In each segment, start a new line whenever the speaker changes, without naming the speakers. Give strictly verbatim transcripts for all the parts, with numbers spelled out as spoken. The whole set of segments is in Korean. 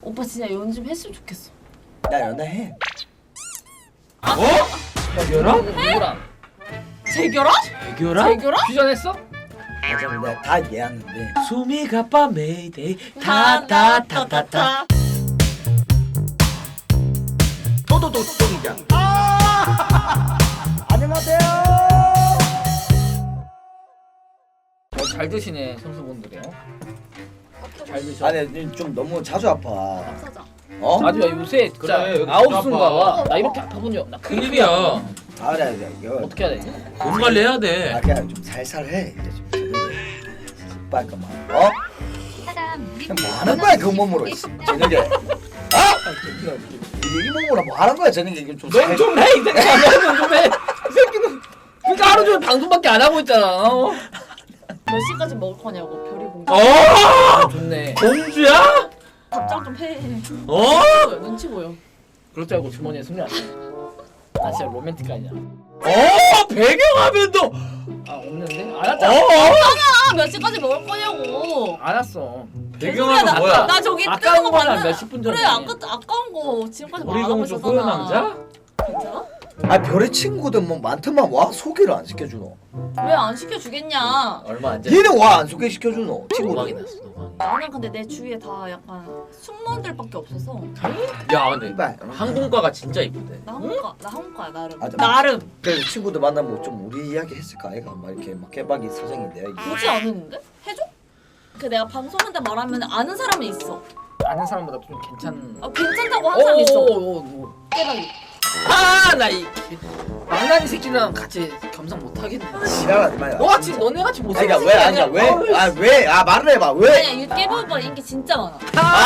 오빠 진짜 연좀 했으면 좋겠어.
나 연애해.
어? 야 결혼?
누구랑?
재결합?
결혼?
재결합?
퓨전했어?
맞아, 내가 다 이해하는데.
숨이 가빠 메이데이 타타타타타
또또또또이자. 안녕하세요.
잘 드시네 선수분들이요. 잘 드셔.
아니 좀 너무 자주 아파.
사자.
어?
아주 요새 진짜
그래, 여기
아홉순가
아파.
와. 나 이렇게 아파 본 적. 나
큰일이야.
아 그래 그래. 이거
어떻게 해야 되지?
몸 관리해야 돼.
아 그냥 좀 살살 해. 이제 좀 제대로. 빨까만. 어? 그냥 뭐 하는 거야 그 몸으로 저녁에? 아? 이, 이 몸으로 뭐 하는 거야 저녁에? 이거 좀 살-
넌좀 해, 이 새끼야. 너는 좀 해. 이 새끼는 그러니까 하루 종일 방송밖에 안 하고 있잖아. 어?
몇 시까지 먹을 거냐고 별이 공주.
어?
좋네.
공주야?
답장 좀 해.
어?
보여, 눈치 보여.
그럴 줄 알고 주머니에 숨이 안 나. 나 진짜 로맨틱 아니야.
어? 배경화면도
아 없는데? 알았잖아.
어?
아, 몇 시까지 먹을 거냐고.
알았어.
배경화면
나,
뭐야?
나 저기 뜨는
아까운
거
거는
봤는데.
몇십 분 전에.
그래 아까 아까운 거 지금까지
우리
말하고
공주
있었잖아.
호요 남자?
괜찮아?
아 별의 친구들 뭐 많더만 와 소개를 안 시켜주노.
왜 안 시켜주겠냐?
얼마 안 돼.
얘는 와 안 소개시켜주노
노망이
친구들.
났어 노망이.
나는 근데 내 주위에 다 약간 숙모들밖에 없어서.
야 근데
이발.
항공과가 진짜 이쁜데.
나 한국가 나 한국가야 나름.
맞아.
나름.
그래서 친구들 만나면 좀 우리 이야기 했을까 아이가 막 이렇게 막 깨박이 사정인데
굳이 안 했는데? 해줘? 그 내가 방송한테 말하면 아는 사람은 있어.
아는 사람보다 좀 괜찮.
아 괜찮다고 한 사람 있어.
오오오.
깨박이.
아나이 망나니 새끼랑 같이 겸상 못 하겠네.
지랄하지 마요.
너가 지금 너네 같이 못
아니
살는
그러니까 왜
새끼
아니야
아니라.
왜? 아 왜? 아 말을 해봐 왜?
아니야 이 깨박 오빠 인기 진짜 많아.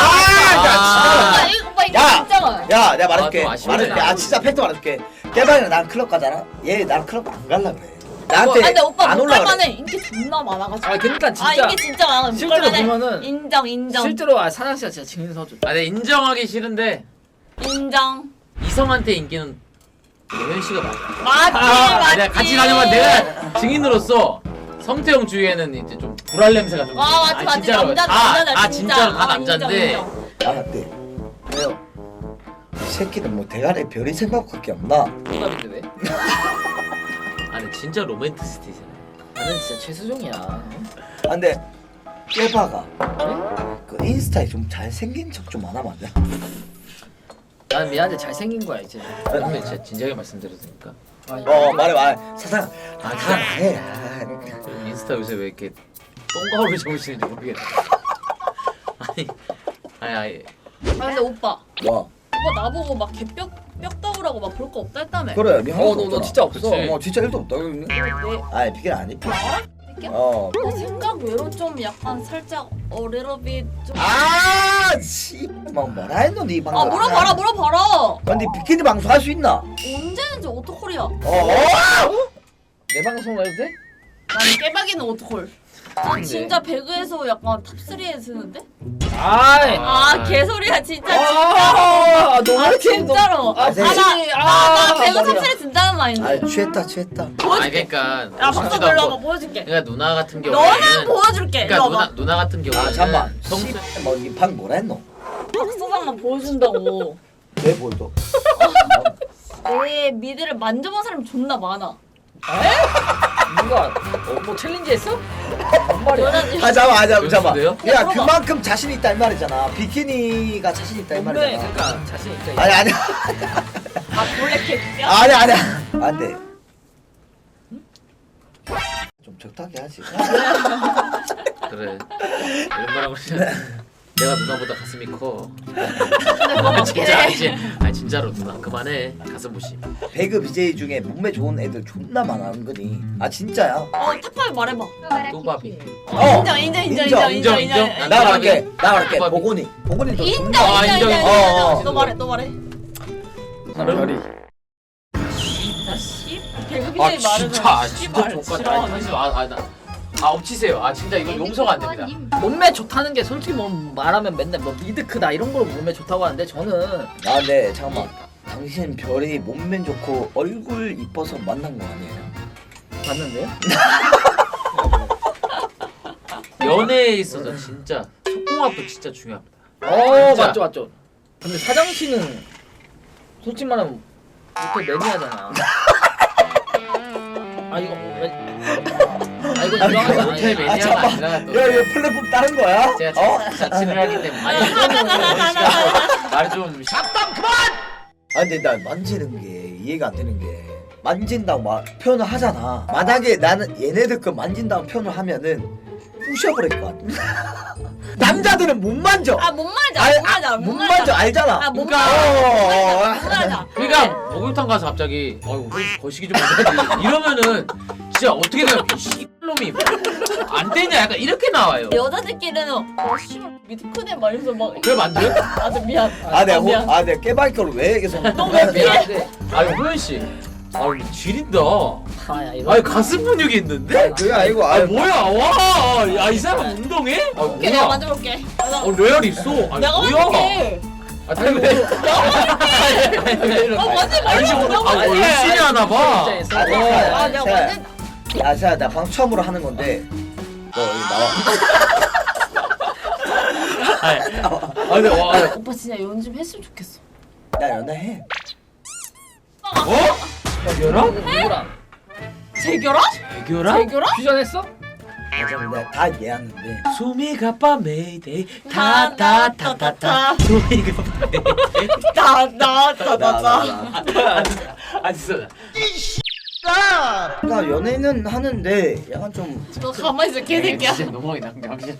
아,
오빠 이 오빠 인기
야!
진짜 많아.
야, 내가 말할게.
아, 좀 아쉽네.
말할게. 아, 진짜 팩트 말할게. 깨방이랑 난 클럽 가잖아. 얘 나랑 클럽 안 갈라 그래.
아
나한테
근데 오빠
안
못
올라
갈만해.
그래.
인기 존나 많아가지고.
아 그러니까 진짜
아 인기 진짜 많아. 못
실제로
갈만해.
보면은
인정 인정
실제로 아 사장 씨가 진짜 증인 서줘.
아 근데 인정하기 싫은데
인정.
이성한테 인기는 예현 씨가 맞아.
맞지
아,
맞지.
내가 같이 다녀봐 내가 증인으로서 성태형 주위에는 이제 좀 불알 냄새가 좀.
아 맞지 맞지
진짜로.
남자
다,
남자들
아
진짜.
진짜로 다
아,
남자인데.
인정, 인정.
아, 근데 왜요? 이 새끼는 뭐 대가리에 별이 생각밖에 없나?
정답인데 왜?
아 근데 진짜 로맨티스트잖아.
나는 진짜 최수종이야.
아, 근데 깨바가
네?
그 인스타에 좀 잘생긴 척 좀 안 하면 안 돼?
난 미안한데 잘생긴 거야 이제.
근데 진짜 진지하게 말씀드려도 됩니까?
아,
어, 말해 말해. 사장. 아, 다 말해. 아,
인스타 요새 왜 이렇게 똥가루를 적으시는지 모르겠네. 아니 아니 아니
아 근데 오빠
뭐?
오빠 나보고 막 개뼈 뼈다구라고 막 볼 거 없다 했다며.
그래. 니
어, 너, 너 진짜 없어.
그치.
어, 진짜 일도 없다.
내
아니, 비결 아니. 비결.
새끼야?
어.
내 생각 외로 좀 약간 살짝 어레러비 좀.
아, 씨. 막 뭐라 했노 니 방금.
아 물어봐라 물어봐라.
근데 비키니 방송 할 수 있나?
언제는지 오토콜이야.
어, 어?
내 방송 해도 돼?
나는 깨박이는 오토콜. 난
근데.
진짜 배그에서 약간 탑삼에 드는데?
아이.
아 개소리야 진짜 진짜.
아, 너무
아
이렇게
진짜로.
아,
아,
진짜.
나, 나, 나 배그
머리야.
탑삼에 든다는 마인드.
아, 취했다, 취했다.
아니
보여줄게.
그러니까
야 박수
무섭지도
놀라봐
않고.
보여줄게.
그러니까 누나 같은
너는
경우에는
보여줄게.
그러니까
이리
누나
와봐.
누나 같은 경우에는
아, 잠만.
성수
뭐니방 뭐라 했노?
박수상만 보여준다고.
왜 보여줘?
내 미드를 만져본 사람이 존나 많아.
누가 어, 뭐 챌린지 했어? 뭔 말이야?
여자들.
아, 잠깐, 아, 잠깐, 잠깐.
연습돼요?
야,
물어봐.
그만큼 자신 있다 이 말이잖아. 비키니가 자신 있다 이
몸매
말이잖아.
그러니까 자신 있다.
아니, 아니,
아 블랙캣이야?
아니, 아니. 안 돼. 좀 적당히 하지.
그래 이런 말하고 싶냐 내가 누나보다 가슴이 커
근데 그거 맞긴
진짜
해.
아니지 아니 진짜로 누나 그만해 가슴 보시
배그 비제이 중에 몸매 좋은 애들 존나 많아 은근히. 아 진짜야.
어 탑파이 말해봐.
또바비
어.
인정 인정 인정
인정,
인정 인정
인정,
인정.
인정.
나 말할게. 나 말할게.
또바비.
보고니. 보고니도
인정
존나.
아,
인정 인정
인정,
인정.
인정.
인정. 너 말해 너 말해.
별이.
아 씨. 배그
아
비제이 말해서
진짜 아, 진짜
씨발
족같다
싫어하네.
아니 아나 아 엎치세요 아 진짜 이거 용서가 안 됩니다
몸매 좋다는 게 솔직히 뭐 말하면 맨날 뭐 미드 크다 이런 걸로 몸매 좋다고 하는데 저는
아, 네, 잠깐만. 당신 별이 몸매 좋고 얼굴 이뻐서 만난 거 아니에요?
봤는데요?
연애에 있어서 진짜 속궁합도 진짜 중요합니다
어
진짜.
맞죠 맞죠. 근데 사장 씨는 솔직히 말하면 못해 매니아잖아. 아 이거 왜? 아 이거 유명하지
못해
않아.
매니아가
잠깐만.
아니라 또
야, 얘 플랫폼 다른 거야?
제가
어?
자- 자취를 하기 때문에
아니 이거는
말좀
아 근데 나 만지는 게 이해가 안 되는 게 만진다고 막 표현을 하잖아. 만약에 나는 얘네들 그 만진다고 표현을 하면은 부셔버릴 것 같아. 남자들은 못 만져.
아못 맞아
알-
못 맞아
못 만져 알잖아.
아못
그러니까-
맞아 못 맞아
그러니까 목욕탕 가서 갑자기 어이 거시기 좀 못하지 이러면은 진짜 어떻게 돼요? 이 씨놈이 안 되냐 약간 이렇게 나와요.
여자들끼리는 어 씨발 미드 크네 막 이러면서 막
그래 만져요?
아주 미안
아 내가
어,
호,
미안
아 내가 깨박이 거를 왜 계속
너왜 피해
미안한데.
아니 호연 씨, 아니 지린다.
아야 이거.
아니 가슴 근육이 있는데?
아니 그게 아니고
아
아
뭐야 와, 야 이 사람 운동해? 아
오케이 내가
뭐야?
만져볼게
어 레알 있어. 아니
내가
뭐야?
만져볼게
아 아니 왜?
어 만지
아니 지금
말고
아 열심히 하나 봐.
입장에서.
아,
어,
아 내가 완전
야, 자, 나 방금 처음으로 하는 건데 너 여기 나와.
아니, 아 근데 와, 야,
오빠 진짜 연좀 했으면 좋겠어
나 연애해.
어? 야 결혼?
누구랑?
재결혼?
결혼?
재결혼?
퓨전했어?
맞아, 내가 다 이해하는데.
소미가 밤메이데이
다,
타타타타타 소미가 밤메이데이
나나나나나
아 진짜
나 연애는 하는데 약간 좀
너 가만히 있어 개새끼야
진짜 너무 낭비하시네.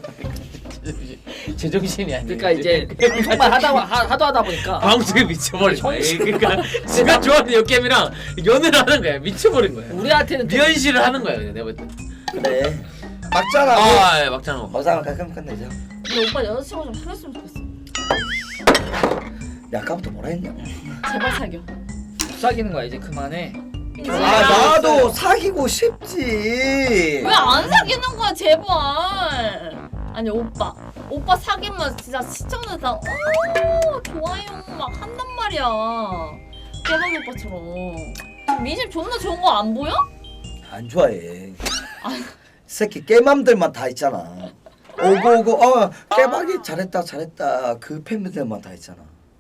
제정신이 아니야.
그러니까 이제 방송만 하다 하, 하도 하다 보니까
방송에 미쳐버린 거야. 그러니까 지가 좋아하는 역겜이랑 연애를 하는 거야. 미쳐버린 거야.
우리한테는 좀
미연씨를 하는 거야. 그냥 내가 볼 때.
그래. 막잖아.
아, 예, 막잖아.
막상 가끔 끝내자.
근데 오빠 여자친구 좀 사귀었으면 좋겠어
내가 아까부터 뭐라 했냐?
제발 사겨
사귀는 거야 이제 그만해.
아 나도 사귀고 싶지.
왜 안 사귀는 거야 제발 아니 오빠 오빠 사귀면 진짜 시청자 다 오 좋아요 막 한단 말이야 깨박이 오빠처럼 민심 존나 좋은 거 안 보여?
안 좋아해. 새끼 깨맘들만 다 있잖아. 오고 오고 어 깨박이 잘했다 잘했다 그 팬들만 다 있잖아.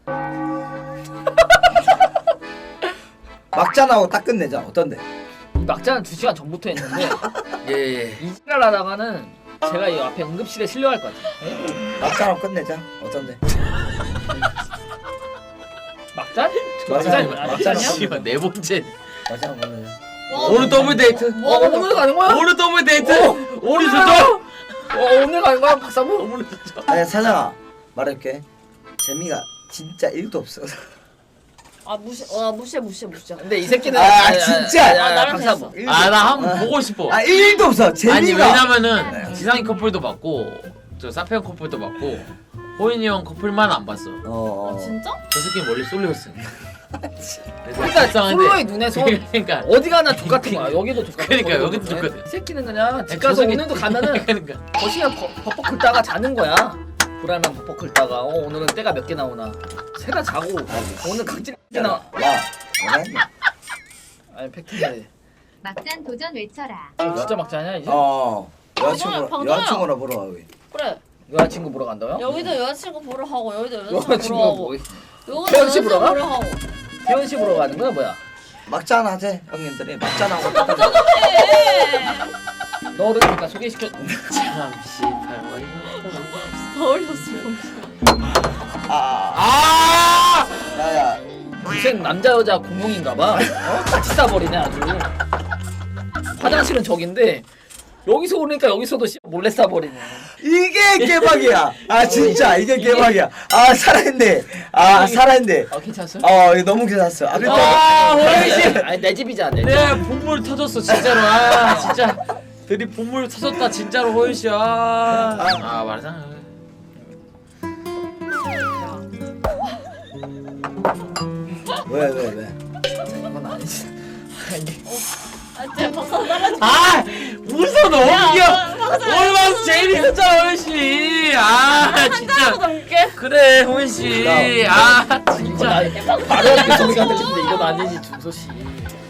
막잔하고 딱 끝내자. 어떤데?
막자는 두 시간 전부터 했는데
예, 예.
이지랄 하다가는 제가 이 앞에 응급실에 실려갈 것 같아. 예?
막잔하고 끝내자. 어떤데?
막잔?
막잔.
막잔
막잔.
씨발 네 번째.
막잔하고 끝내자.
와,
오늘 더블 데이트.
뭐
어 오늘 가는 거야?
오늘 더블 데이트.
어,
오늘 좋죠?
어 오늘 가는 거야 박사부?
오늘 좋죠.
아니 사장아 말할게. 재미가 진짜 일도 없어.
아 무시 와 무시해 무시해 무시해
근데 이 새끼는
아, 진짜.
아, 나랑
박사부.
일도
아, 나
없어.
한번 보고 싶어.
아 일도 없어. 재미가.
아니 왜냐면은
네.
지상이 커플도 봤고 저 사페형 커플도 봤고 호인이 형 커플만 안 봤어.
어.
아 진짜?
저 새끼 멀리 쏠려있어.
그러니까 솔로의 눈에서
그러니까
어디 가나 족같은 거야. 여기도 족같은
그러니까
거고.
여기도 똑같아.
이 새끼는 그냥 집
저
가서
새끼-
오늘도 가면은
그러니까
거시면 벅벅 긁다가 자는 거야. 불알만 벅벅 긁다가 어 오늘은 때가 몇 개 나오나 세다 자고 오늘 각질 몇 개 나와.
야 연애했냐?
아니 팩트인데
막잔 도전 외쳐라.
어, 진짜 막자냐 이제?
어.
방송이야,
여자친구
방송이야.
여자친구나 보러 가. 우리.
그래
여자친구 보러 간다고요?
여기도 여자친구 보러 가고 여기도 여자친구 보러
여자친구가
가고
뭐
여기도
태연 씨
여자친구
보러 가?
보러 가고
태연 씨 보러 가는 거야 뭐야?
막잔 하재 형님들이 막잔하고 끝내자.
네
너를 그러니까 소개시켜.
참 씨발 뭐 이거.
더 어렸어
아.
아!
야야.
무슨 남자 여자 공용인가봐. 어? 같이 싸버리네 아주. 화장실은 저긴데 여기서 오니까 여기서도 씨 몰래 싸버리네.
이게 개박이야. 아 진짜 이게 개박이야. 아 살아있네. 아 살아있네.
아 괜찮았어?
어 이거 너무 괜찮았어. 아, 근데
아, 호인 씨.
아니 내 집이잖아 내 집.
내 본물 터졌어 진짜로. 아 진짜 드립 본물 터졌다 진짜로 호인 씨. 아, 아 말하잖아.
왜 왜 왜?
그건 아니지.
아 진짜 박사 따라줄게
아 웃어 너무
야,
귀여워.
박사
오늘 방송 제일 있었잖아 호인 씨. 아 진짜.
넘게
그래 호인 씨. 아
이건
진짜.
아니 바로 앞에 소리가 들리는데 이건 아니지 준서 씨.